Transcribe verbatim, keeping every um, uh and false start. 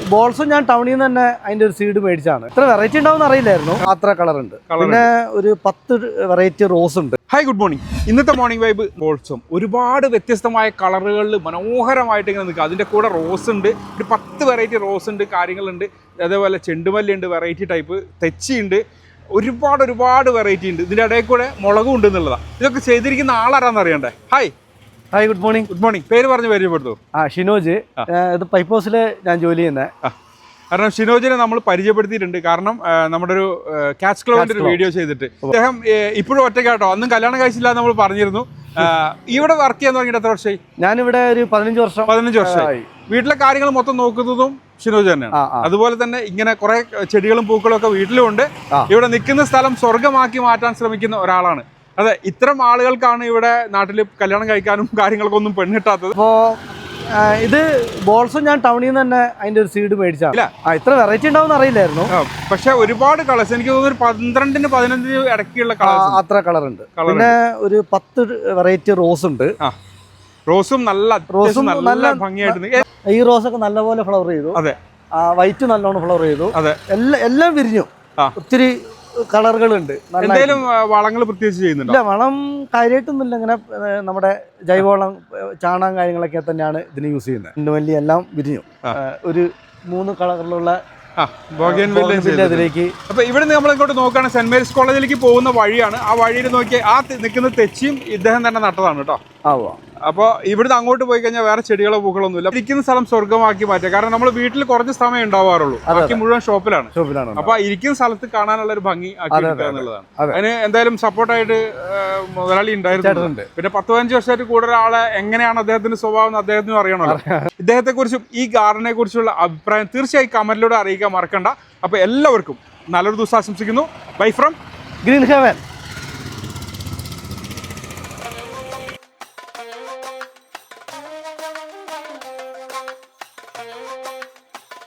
ബോൾസും ഞാൻ ടൗണിൽ നിന്ന് തന്നെ അതിന്റെ ഒരു സീഡ് മേടിച്ചാണ്. ഇത്ര വെറൈറ്റി ഉണ്ടാവും അറിയില്ലായിരുന്നു. അത്ര കളർ ഉണ്ട്. പിന്നെ ഒരു പത്ത് വെറൈറ്റി റോസ് ഉണ്ട്. Hi, good morning. ഇന്നത്തെ മോർണിംഗ് വൈബ് ബോൾസും ഒരുപാട് വ്യത്യസ്തമായ കളറുകളിൽ മനോഹരമായിട്ട് ഇങ്ങനെ നിൽക്കുക. അതിൻ്റെ കൂടെ റോസ് ഉണ്ട്, ഒരു പത്ത് വെറൈറ്റി റോസ് ഉണ്ട്, കാര്യങ്ങളുണ്ട്. അതേപോലെ ചെണ്ടുമല്ലി ഉണ്ട്, വെറൈറ്റി ടൈപ്പ് തെച്ചിയുണ്ട്, ഒരുപാട് ഒരുപാട് വെറൈറ്റി ഉണ്ട്. ഇതിൻ്റെ ഇടയിൽ കൂടെ മുളകും ഉണ്ട് എന്നുള്ളതാണ്. ഇതൊക്കെ ചെയ്തിരിക്കുന്ന ആളാരാന്ന് അറിയണ്ടേ? Hi hi good morning. Good morning. പേര് പറഞ്ഞ് പരിചയപ്പെടുത്തു. ആ ഷിനോജ്. ഇത് പൈപ്പ് ഹൗസിൽ ഞാൻ ജോലി ചെയ്യുന്നത്. കാരണം ഷിനോജിനെ നമ്മൾ പരിചയപ്പെടുത്തിയിട്ടുണ്ട്. കാരണം നമ്മുടെ ഒരു ക്യാച്ച് ക്ലബിന്റെ ഒരു വീഡിയോ ചെയ്തിട്ട് അദ്ദേഹം ഇപ്പോഴും ഒറ്റയ്ക്കാട്ടോ, അന്നും കല്യാണം കഴിച്ചില്ല നമ്മൾ പറഞ്ഞിരുന്നു. ഇവിടെ വർക്ക് ചെയ്യാൻ തുടങ്ങിയിട്ട് എത്ര വർഷമായി? ഞാനിവിടെ ഒരു പതിനഞ്ച് വർഷം പതിനഞ്ച് വർഷമായി. വീട്ടിലെ കാര്യങ്ങൾ മൊത്തം നോക്കുന്നതും ഷിനോജ് തന്നെയാണ്. അതുപോലെ തന്നെ ഇങ്ങനെ കുറെ ചെടികളും പൂക്കളും ഒക്കെ വീട്ടിലും ഉണ്ട്. ഇവിടെ നിൽക്കുന്ന സ്ഥലം സ്വർഗമാക്കി മാറ്റാൻ ശ്രമിക്കുന്ന ഒരാളാണ്. അതെ, ഇത്തരം ആളുകൾക്കാണ് ഇവിടെ നാട്ടിൽ കല്യാണം കഴിക്കാനും കാര്യങ്ങൾക്കൊന്നും പെണ്ണിട്ടാത്തത്. അപ്പോ ഇത് ബോൾസും ഞാൻ ടൗണിൽ നിന്ന് തന്നെ അതിന്റെ ഒരു സീഡ് മേടിച്ചാണ്. ഇത്ര വെറൈറ്റി ഉണ്ടാവും അറിയില്ലായിരുന്നു. പക്ഷെ ഒരുപാട് കളേഴ്സ്, എനിക്ക് തോന്നുന്നു ഒരു പന്ത്രണ്ടിന് പതിനഞ്ച് ഇടയ്ക്കുള്ള കളേഴ്സ്, അത്ര കളർ ഉണ്ട്. പിന്നെ ഒരു പത്ത് വെറൈറ്റി റോസ് ഉണ്ട്. റോസും നല്ല റോസും നല്ല ഭംഗിയായിട്ട്, ഈ റോസൊക്കെ നല്ലപോലെ ഫ്ലവർ ചെയ്തു. അതെ, വൈറ്റ് നല്ലോണം ഫ്ലവർ ചെയ്തു. അതെ, എല്ലാം എല്ലാം വിരിഞ്ഞു. ഒത്തിരി കളറുകളുണ്ട്. എന്തെങ്കിലും വളങ്ങൾ പ്രത്യേകിച്ച് ചെയ്യുന്നുണ്ടോ? ഇല്ല, വളം കാര്യമായിട്ടൊന്നുമില്ല. ഇങ്ങനെ നമ്മുടെ ജൈവവളം, ചാണകം കാര്യങ്ങളൊക്കെ തന്നെയാണ് ഇതിന് യൂസ് ചെയ്യുന്നത്. ചെണ്ടുമല്ലി എല്ലാം വിരിഞ്ഞു. ഒരു മൂന്ന് കളറിലുള്ള അതിലേക്ക്. അപ്പൊ ഇവിടെ നമ്മൾ ഇങ്ങോട്ട് നോക്കുകയാണ്, സെന്റ് മേരീസ് കോളേജിലേക്ക് പോകുന്ന വഴിയാണ്. ആ വഴിയിൽ നോക്കി ആ നിൽക്കുന്ന തെച്ചിയും ഇദ്ദേഹം തന്നെ നട്ടതാണ് കേട്ടോ. അപ്പോൾ ഇവിടുന്ന് അങ്ങോട്ട് പോയി കഴിഞ്ഞാൽ വേറെ ചെടികളോ പൂക്കളൊന്നുമില്ല. ഇരിക്കുന്ന സ്ഥലം സ്വർഗമാക്കി മാറ്റുക. കാരണം നമ്മൾ വീട്ടിൽ കുറച്ച് സമയം ഉണ്ടാവാറുള്ളൂ, ബാക്കി മുഴുവൻ ഷോപ്പിലാണ്. ഷോപ്പിലാണ് അപ്പൊ ഇരിക്കുന്ന സ്ഥലത്ത് കാണാനുള്ള ഒരു ഭംഗി ആക്കി എടുക്കുക എന്നുള്ളതാണ്. അതിന് എന്തായാലും സപ്പോർട്ടായിട്ട് മുതലാളി ഉണ്ടായിരുന്നു. പിന്നെ പത്ത് പതിനഞ്ച് വർഷമായിട്ട് കൂടുതൽ ആളെ എങ്ങനെയാണ് അദ്ദേഹത്തിന്റെ സ്വഭാവം എന്ന് അദ്ദേഹത്തിനും അറിയണമല്ലോ. ഇദ്ദേഹത്തെ കുറിച്ചും ഈ ഗാർഡനെ കുറിച്ചുള്ള അഭിപ്രായം തീർച്ചയായും കമന്റിലൂടെ അറിയിക്കാൻ മറക്കണ്ട. അപ്പൊ എല്ലാവർക്കും നല്ലൊരു ദിവസം ആശംസിക്കുന്നു. Bye from green heaven.